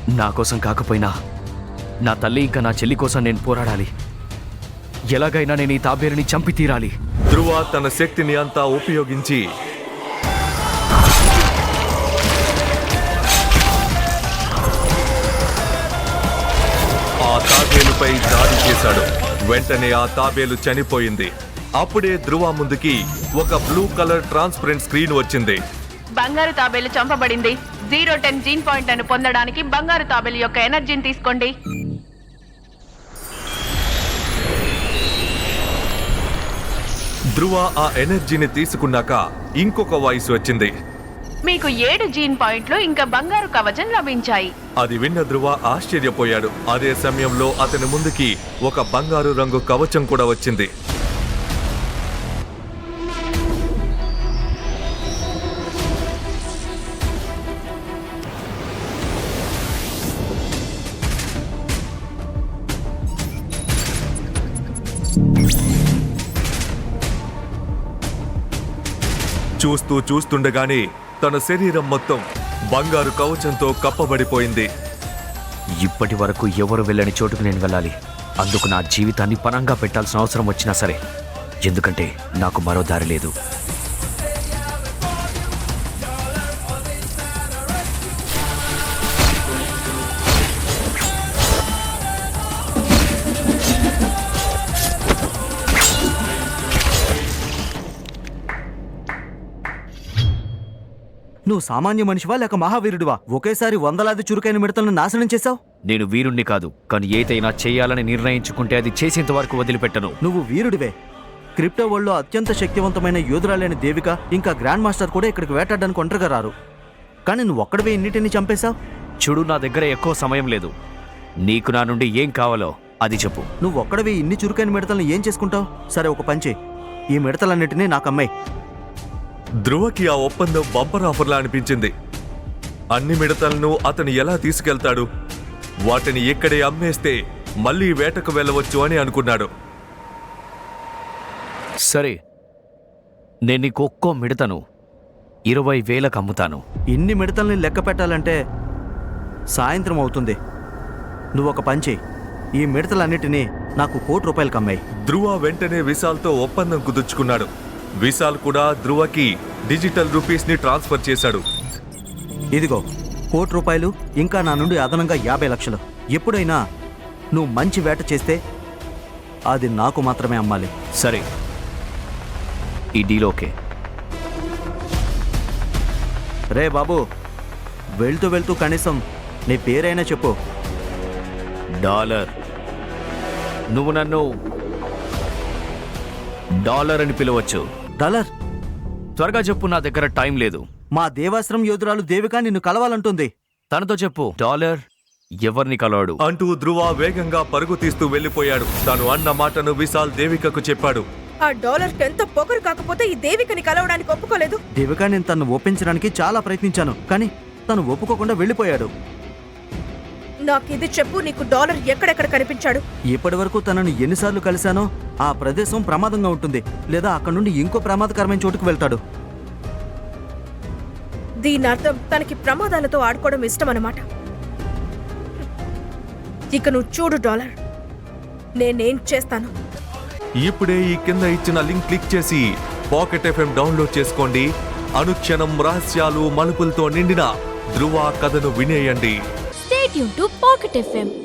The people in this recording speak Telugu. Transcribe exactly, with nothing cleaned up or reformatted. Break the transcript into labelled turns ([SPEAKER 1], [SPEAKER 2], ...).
[SPEAKER 1] నా కోసం కాకపోయినా నా తల్లి ఇంకా నా చెల్లి కోసం నేను పోరాడాలి. ఎలాగైనా నేను ఈ తాబేలుని చంపి తీరాలి.
[SPEAKER 2] ధ్రువ తన శక్తిని అంతా ఉపయోగించి ఆ తాబేలుపై దాడి చేశాడు. వెంటనే ఆ తాబేలు చనిపోయింది. అప్పుడే ధ్రువ ముందుకి ఒక బ్లూ కలర్ ట్రాన్స్పరెంట్ స్క్రీన్ వచ్చింది.
[SPEAKER 3] బంగారు తాబేలు చంపబడింది. జీరో టెన్ జీన్ పాయింట్లను పొందడానికి బంగారు తాబేలు యొక్క ఎనర్జీని తీసుకోండి.
[SPEAKER 2] ధ్రువ ఆ ఎనర్జీని తీసుకున్నాక ఇంకొక వాయిస్ వచ్చింది.
[SPEAKER 3] మీకు ఏడు జీన్ పాయింట్లు ఇంకా బంగారు కవచం లభించాయి.
[SPEAKER 2] అది విన్న ధ్రువ ఆశ్చర్యపోయాడు. అదే సమయంలో అతని ముందుకి ఒక బంగారు రంగు కవచం కూడా వచ్చింది. చూస్తూ చూస్తుండగానే తన శరీరం మొత్తం బంగారు కవచంతో కప్పబడిపోయింది.
[SPEAKER 1] ఇప్పటి వరకు ఎవరు వెళ్ళని చోటుకు నేను వెళ్ళాలి. అందుకు నా జీవితాన్ని పణంగా పెట్టాల్సిన అవసరం వచ్చినా సరే, ఎందుకంటే నాకు మరో దారి లేదు.
[SPEAKER 4] నువ్వు సామాన్య మనిషివా లేక మహావీరుడివా? ఒకేసారి వందలాది చురుకైన మిడతలను నాశనం చేశావు.
[SPEAKER 1] నేను వీరుణ్ణి కాదు, కానీ ఏదైనా చేయాలని నిర్ణయించుకుంటే అది చేసేంత వరకు వదిలిపెట్టను.
[SPEAKER 4] నువ్వు వీరుడివే. క్రిప్టో వరల్డ్లో అత్యంత శక్తివంతమైన యోధురాలైన దేవిక ఇంకా గ్రాండ్ మాస్టర్ కూడా ఇక్కడికి వేటాడడానికి ఒంటరిగా రారు. కానీ నువ్వు ఒక్కడివే ఇన్నిటిని చంపేశావు.
[SPEAKER 1] చూడు, నా దగ్గర ఎక్కువ సమయం లేదు. నీకు నా నుండి ఏం కావాలో అది చెప్పు.
[SPEAKER 4] నువ్వు ఒక్కడివే ఇన్ని చురుకైన మిడతలను ఏం చేసుకుంటావు? సరే, ఒక పంచే, ఈ మిడతలన్నిటినీ నాకు అమ్మాయి.
[SPEAKER 2] ధ్రువకి ఆ ఒప్పందం బంపర్ ఆఫర్లా అనిపించింది. అన్ని మిడతలను అతను ఎలా తీసుకెళ్తాడు? వాటిని ఇక్కడే అమ్మేస్తే మళ్ళీ వేటకు వెళ్ళవచ్చు అని అనుకున్నాడు.
[SPEAKER 1] సరే, నేను నీకు ఒక్కో మిడతను ఇరవై వేలకు అమ్ముతాను.
[SPEAKER 4] ఇన్ని మిడతల్ని లెక్క పెట్టాలంటే సాయంత్రం అవుతుంది. నువ్వు ఒక పంచే, ఈ మిడతలన్నిటినీ నాకు కోటి రూపాయలకు అమ్మాయి.
[SPEAKER 2] ధ్రువ వెంటనే విశాల్తో ఒప్పందం కుదుర్చుకున్నాడు. విశాల్ కూడా ధ్రువకి డిజిటల్ రూపీస్ ని ట్రాన్స్ఫర్ చేశాడు.
[SPEAKER 4] ఇదిగో కోటి రూపాయలు, ఇంకా నా నుండి అదనంగా యాభై లక్షలు. ఎప్పుడైనా నువ్వు మంచి వేట చేస్తే అది నాకు మాత్రమే అమ్మాలి.
[SPEAKER 1] సరే, ఈ డీల్ ఓకే.
[SPEAKER 4] రే బాబు, వెళ్తూ వెళ్తూ కనీసం నీ పేరైనా చెప్పు.
[SPEAKER 1] డాలర్. నువ్వు నన్ను డాలర్ అని పిలవచ్చు.
[SPEAKER 4] డాలర్?
[SPEAKER 1] త్వరగా చెప్పు, నా దగ్గర టైం లేదు.
[SPEAKER 4] మా దేవాశ్రం యోధురాలు దేవిక నిన్ను కలవాలంటుంది.
[SPEAKER 1] తనతో చెప్పు. డాలర్ ఎవరిని కలవాడు
[SPEAKER 2] అంటూ ధ్రువ వేగంగా పరుగు తీస్తూ వెళ్లిపోయాడు. తను అన్న మాటను విశాల్ దేవికకు చెప్పాడు.
[SPEAKER 5] ఆ డాలర్ ఎంత పొగరు కాకపోతే ఈ దేవికని కలవడానికి ఒప్పుకోలేదు.
[SPEAKER 4] దేవిక, నేను తను ఒప్పించడానికి చాలా ప్రయత్నించాను, కానీ తను ఒప్పుకోకుండా వెళ్ళిపోయాడు.
[SPEAKER 5] నాకిది చెప్పు, నీకు డాలర్ ఎక్కడెక్కడ కనిపించాడు?
[SPEAKER 4] ఇప్పటి వరకు తనను ఎన్నిసార్లు కలిశానో ఆ ప్రదేశం ప్రమాదంగా ఉంటుంది, లేదా అక్కడి నుండి ఇంకో ప్రమాదకరమైన చోటుకు వెళ్తాడు.
[SPEAKER 5] దీని అర్థం తనకి ప్రమాదాలతో ఆడుకోవడం ఇష్టం అన్నమాట. ఇక నువ్వు చూడు డాలర్, నేనేం చేస్తాను.
[SPEAKER 2] ఇప్పుడే ఈ కింద ఇచ్చిన లింక్ క్లిక్ చేసి పాకెట్ ఎఫ్ఎం డౌన్లోడ్ చేసుకోండి. అనుక్షణం రహస్యాలు మలుపులతో నిండిన ధ్రువ కథను వినేయండి.
[SPEAKER 6] Stay tuned to Pocket F M.